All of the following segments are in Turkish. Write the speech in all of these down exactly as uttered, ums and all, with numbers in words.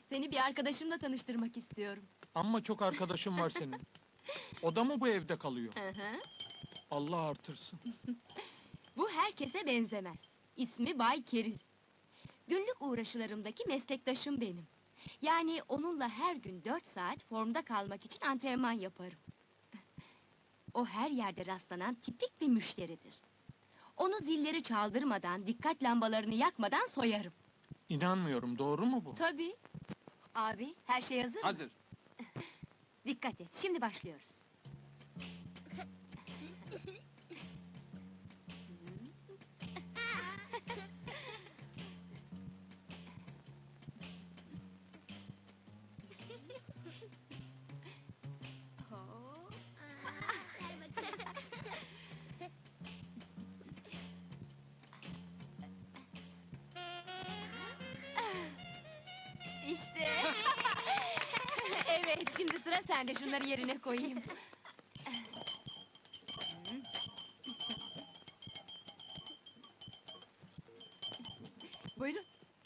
Seni bir arkadaşımla tanıştırmak istiyorum. Amma çok arkadaşın var senin. O da mı bu evde kalıyor? Hı hı. Allah artırsın. Bu herkese benzemez. İsmi Bay Keriz. Günlük uğraşılarımdaki meslektaşım benim. Yani onunla her gün dört saat formda kalmak için antrenman yaparım. O her yerde rastlanan tipik bir müşteridir. Onu zilleri çaldırmadan, dikkat lambalarını yakmadan soyarım. İnanmıyorum, doğru mu bu? Tabii. Abi, her şey hazır mı? Hazır. Dikkat et, şimdi başlıyoruz. İşte. Evet, şimdi sıra sende, şunları yerine koyayım. Buyurun.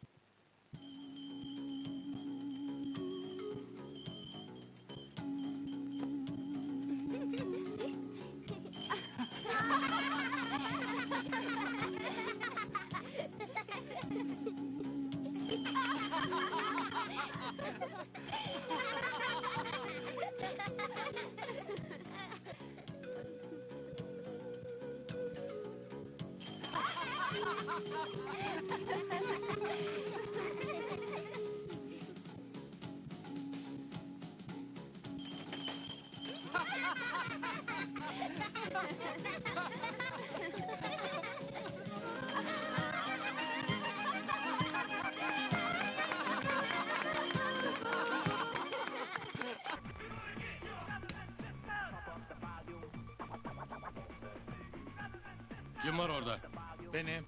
Kim var orada? Benim.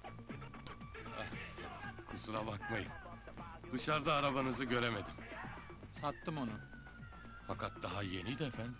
Kusura bakmayın. Dışarıda arabanızı göremedim. Sattım onu. Fakat daha yeniydi efendim.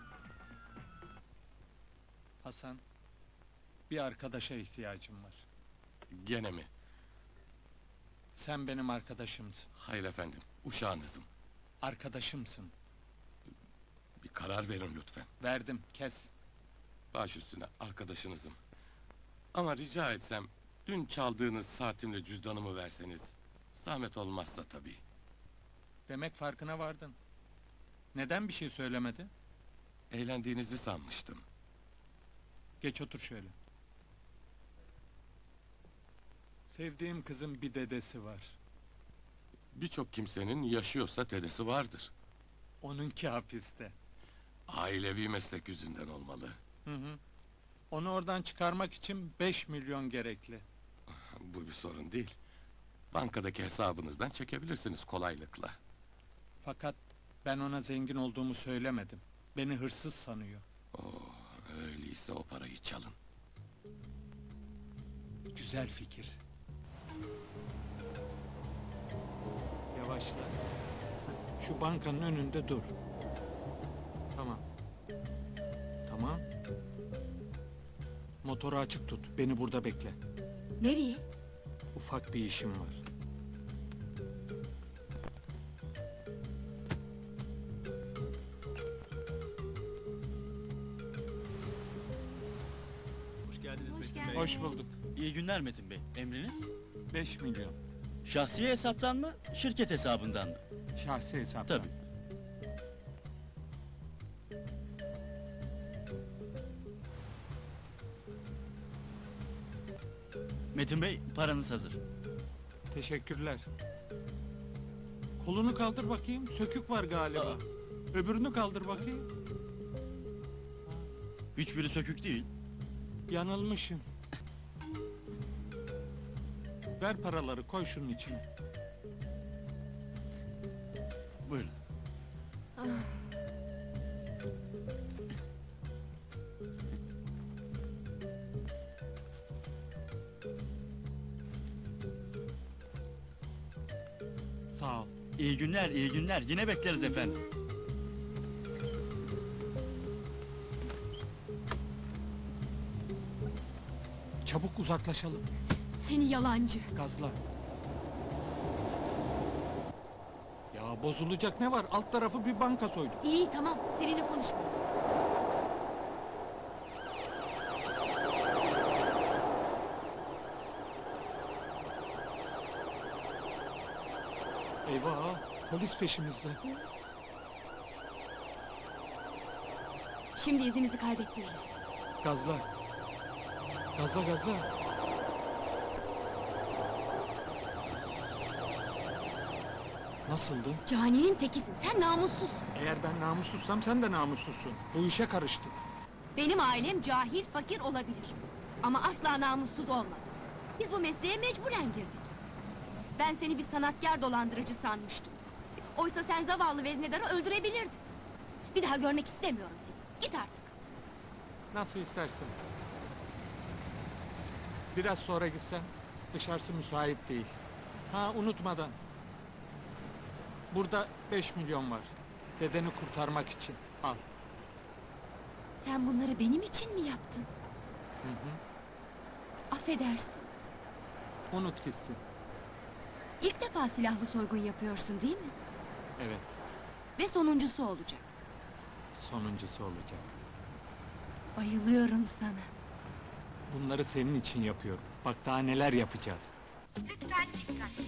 Hasan, bir arkadaşa ihtiyacım var. Gene mi? Sen benim arkadaşımsın. Hayır efendim, uşağınızım. Arkadaşımsın. Bir karar verin lütfen. Verdim, kes. Baş üstüne arkadaşınızım. Ama rica etsem, dün çaldığınız saatimle cüzdanımı verseniz... ...zahmet olmazsa tabii. Demek farkına vardın. Neden bir şey söylemedi? Eğlendiğinizi sanmıştım. Geç otur şöyle. Sevdiğim kızın bir dedesi var. Birçok kimsenin yaşıyorsa dedesi vardır. Onunki hapiste. Ailevi meslek yüzünden olmalı. Hı hı. Onu oradan çıkarmak için beş milyon gerekli. Bu bir sorun değil. Bankadaki hesabınızdan çekebilirsiniz kolaylıkla. Fakat ben ona zengin olduğumu söylemedim. Beni hırsız sanıyor. Oh, öyleyse o parayı çalın. Güzel fikir. Yavaşla. Şu bankanın önünde dur. Tamam. Tamam. Motoru açık tut. Beni burada bekle. Nereye? Ufak bir işim var. Hoş geldiniz Hoş Metin geldin. Bey. Hoş bulduk. İyi günler Metin Bey. Emriniz? Beş milyon. Şahsi hesaptan mı, şirket hesabından mı? Şahsi hesaptan. Tabii. Metin Bey, paranız hazır. Teşekkürler. Kolunu kaldır bakayım. Sökük var galiba. Aa. Öbürünü kaldır bakayım. Hiçbiri sökük değil. Yanılmışım. Ver paraları, koy şunun içine. Buyurun. Sağ ol. İyi günler, iyi günler. Yine bekleriz efendim. Çabuk uzaklaşalım. Seni yalancı! Gazla. Ya Ya bozulacak ne var? Alt tarafı bir banka soydum. İyi tamam, seninle konuşmuyorum. Eyvah, polis peşimizde. Şimdi izimizi kaybettiririz. Gazla. Gazla gazla. Nasıldı? Caninin tekisin, sen namussuzsun. Eğer ben namussuzsam sen de namussuzsun. Bu işe karıştık. Benim ailem cahil, fakir olabilir. Ama asla namussuz olmadı. Biz bu mesleğe mecburen girdik. Ben seni bir sanatkar dolandırıcı sanmıştım. Oysa sen zavallı veznedarı öldürebilirdin. Bir daha görmek istemiyorum seni. Git artık. Nasıl istersin. Biraz sonra gitsem, dışarısı müsait değil. Ha unutmadan. Burada beş milyon var. Dedeni kurtarmak için. Al. Sen bunları benim için mi yaptın? Hı hı. Affedersin. Unut gitsin. İlk defa silahlı soygun yapıyorsun değil mi? Evet, Ve sonuncusu olacak. sonuncusu olacak. Bayılıyorum sana. Bunları senin için yapıyorum. Bak daha neler yapacağız. Lütfen dikkat.